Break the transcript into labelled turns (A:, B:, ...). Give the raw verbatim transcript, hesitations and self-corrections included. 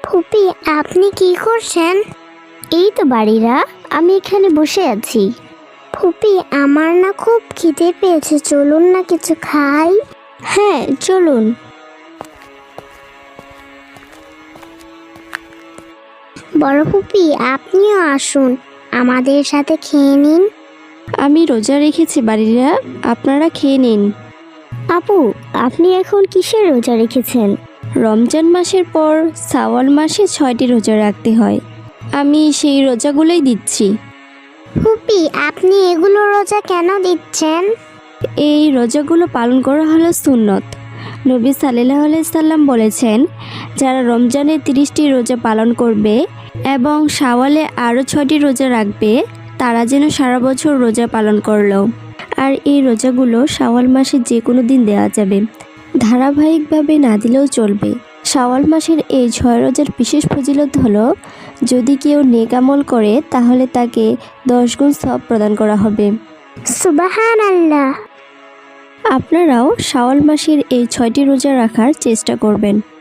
A: ফুপি, আপনি কি করছেন?
B: এই তো বাড়িরা, আমি এখানে বসে আছি।
A: ফুপি, আমার না খুব খিদে পেয়েছে, চলুন না কিছু খাই।
B: হ্যাঁ চলুন।
A: বড় ফুপি, আপনিও আসুন, আমাদের সাথে খেয়ে নিন।
B: আমি রোজা রেখেছি বাড়িরা, আপনারা খেয়ে নিন। আপু, আপনি এখন কিসের রোজা রেখেছেন? রমজান মাসের পর শাওয়াল মাসে ছয়টি রোজা রাখতে হয়, আমি সেই রোজাগুলোই দিচ্ছি।
A: ফুপি, আপনি এগুলো রোজা কেন দিচ্ছেন?
B: এই রোজাগুলো পালন করা হলো সুন্নত। নবী সাল্লাল্লাহু আলাইহি সাল্লাম বলেছেন, যারা রমজানে তিরিশটি রোজা পালন করবে এবং শাওয়ালে আরও ছয়টি রোজা রাখবে, তারা যেন সারা বছর রোজা পালন করলো। আর এই রোজাগুলো শাওয়াল মাসে যে কোনো দিন দেওয়া যাবে, ধারাবাহিকভাবে না দিলেও চলবে। শাওয়াল মাসের এই ছয় রোজার বিশেষ ফজিলত হলো, যদি কেউ নেক আমল করে তাহলে তাকে দশ গুণ সওয়াব প্রদান করা হবে।
A: সুবহানাল্লাহ।
B: আপনারাও শাওয়াল মাসের এই ছয়টি রোজা রাখার চেষ্টা করবেন।